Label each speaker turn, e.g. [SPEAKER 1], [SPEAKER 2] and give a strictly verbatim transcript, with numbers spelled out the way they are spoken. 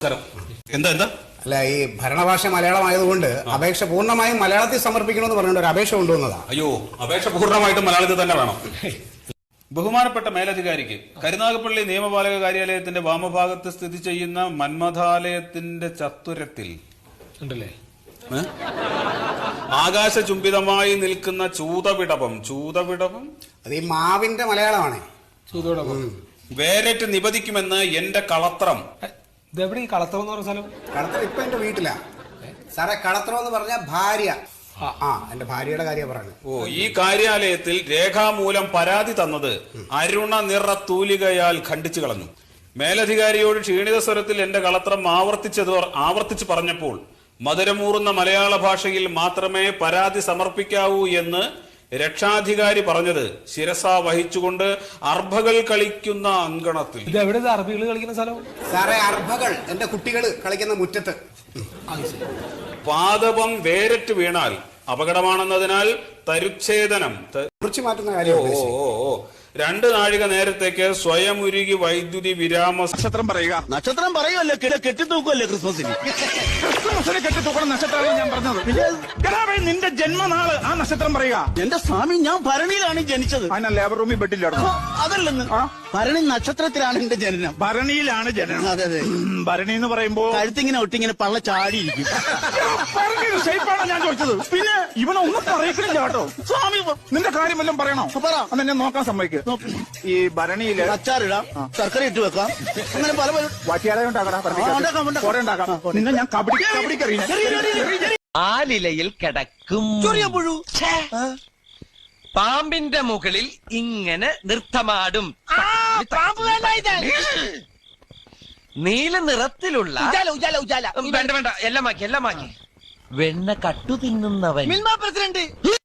[SPEAKER 1] എന്താ എന്താ
[SPEAKER 2] അല്ല, ഈ ഭരണഭാഷ മലയാളമായതുകൊണ്ട് അപേക്ഷ പൂർണ്ണമായും മലയാളത്തിൽ സമർപ്പിക്കണമെന്ന് പറഞ്ഞിട്ട് ഒരു അപേക്ഷ കൊണ്ടുവന്നതാണ്.
[SPEAKER 1] അയ്യോ, അപേക്ഷ പൂർണ്ണമായിട്ടും മലയാളത്തിൽ തന്നെ വേണം. ബഹുമാനപ്പെട്ട മേലധികാരിക്ക് കരുനാഗപ്പള്ളി നിയമപാലക കാര്യാലയത്തിന്റെ വാമഭാഗത്ത് സ്ഥിതി ചെയ്യുന്ന മന്മഥാലയത്തിന്റെ ചത്തുരത്തിൽ
[SPEAKER 3] ഉണ്ടല്ലേ
[SPEAKER 1] ആകാശചുംബിതമായി നിൽക്കുന്ന ചൂതവിടവം ചൂതവിടവം
[SPEAKER 2] അത് ഈ മാവിന്റെ മലയാളമാണ്.
[SPEAKER 3] ചൂതോടൊപ്പം
[SPEAKER 1] വേരറ്റ് നിപതിക്കുമെന്ന് എന്റെ കളത്രം.
[SPEAKER 3] ഇതെവിടെ ഈ കളത്രം എന്ന് പറഞ്ഞ സ്ഥലം?
[SPEAKER 2] കളത്രം ഇപ്പൊ എന്റെ വീട്ടിലാ സാറേ. കളത്രം എന്ന് പറഞ്ഞ ഭാര്യ. ആ എന്റെ ഭാര്യയുടെ കാര്യം പറയുന്നത്.
[SPEAKER 1] ഓ, ഈ കാര്യാലയത്തിൽ രേഖാമൂലം പരാതി തന്നത് അരുണ നിറ തൂലികയാൽ ഖണ്ഡിച്ചു കളഞ്ഞു. മേലധികാരിയോട് ക്ഷീണിത സ്വരത്തിൽ എന്റെ കളത്രം ആവർത്തിച്ചത് ആവർത്തിച്ചു പറഞ്ഞപ്പോൾ മധുരമൂറുന്ന മലയാള ഭാഷയിൽ മാത്രമേ പരാതി സമർപ്പിക്കാവൂ എന്ന് രക്ഷാധികാരി പറഞ്ഞത് ശിരസ വഹിച്ചുകൊണ്ട് അർഭകൾ കളിക്കുന്ന അങ്കണത്തിൽ.
[SPEAKER 3] ഇത് എവിടെ അറബികൾ കളിക്കുന്ന സ്ഥലം?
[SPEAKER 2] സാറേ, അർഭകൾ എന്റെ കുട്ടികൾ കളിക്കുന്ന മുറ്റത്ത്.
[SPEAKER 1] പാദപം വേരറ്റ് വീണാൽ അപകടമാണെന്നതിനാൽ തരുച്ഛേദനം
[SPEAKER 2] കുറിച്ച് മാറ്റുന്ന കാര്യം.
[SPEAKER 1] ഓ ഓ ഓ രണ്ട് നാഴിക നേരത്തേക്ക് സ്വയം ഉരുകി വൈദ്യുതി വിരാമ.
[SPEAKER 4] നക്ഷത്രം പറയുക. നക്ഷത്രം പറയുമല്ലോ, കെട്ടിത്തൂക്കുമല്ലേ ക്രിസ്മസിന്. ക്രിസ്മസിന് കെട്ടിത്തൂക്കണം നക്ഷത്രമാണ് ഞാൻ പറഞ്ഞത്. നിന്റെ ജന്മനാള് ആ നക്ഷത്രം പറയുക. എന്റെ സ്വാമി, ഞാൻ ഭരണിയിലാണ് ജനിച്ചത്. അതിനാ ലേബർ റൂമിൽ ബെഡിലാണ്. അതല്ലെന്ന്, ഭരണി നക്ഷത്രത്തിലാണ് എന്റെ ജനനം. ഭരണിയിലാണ് ജനനം. അതെ അതെ. ഭരണി എന്ന് പറയുമ്പോ കഴുത്തിങ്ങനെ ഒട്ടിങ്ങനെ പള്ള ചാടിയിരിക്കും. ഷേപ്പാണ് ഞാൻ ചോദിച്ചത്. പിന്നെ ഇവനൊന്നും പറയിക്കില്ല കേട്ടോ. സ്വാമി, നിന്റെ കാര്യം വല്ലതും പറയണോ? പറ. അതെന്നെ നോക്കാൻ സമ്മതിക്കുക. ഈ ഭരണിയില് അച്ചാറിടാം, ശർക്കര ഇട്ട് വെക്കാം, അങ്ങനെ പല പല വാറ്റിയാലയം ഉണ്ടാക്കാം. നിന്നെ ഞാൻ കബഡി കബഡിക്കറിയാം.
[SPEAKER 5] ആലിലയിൽ കിടക്കും പാമ്പിന്റെ മുകളിൽ ഇങ്ങനെ നൃത്തമാടും. നീല നിറത്തിലുള്ള വേണ്ട വേണ്ട എല്ലാം മാക്കി എല്ലാം മാക്കി വെണ്ണ കട്ടു തിന്നുന്നവൻ. പ്രസിഡന്റ്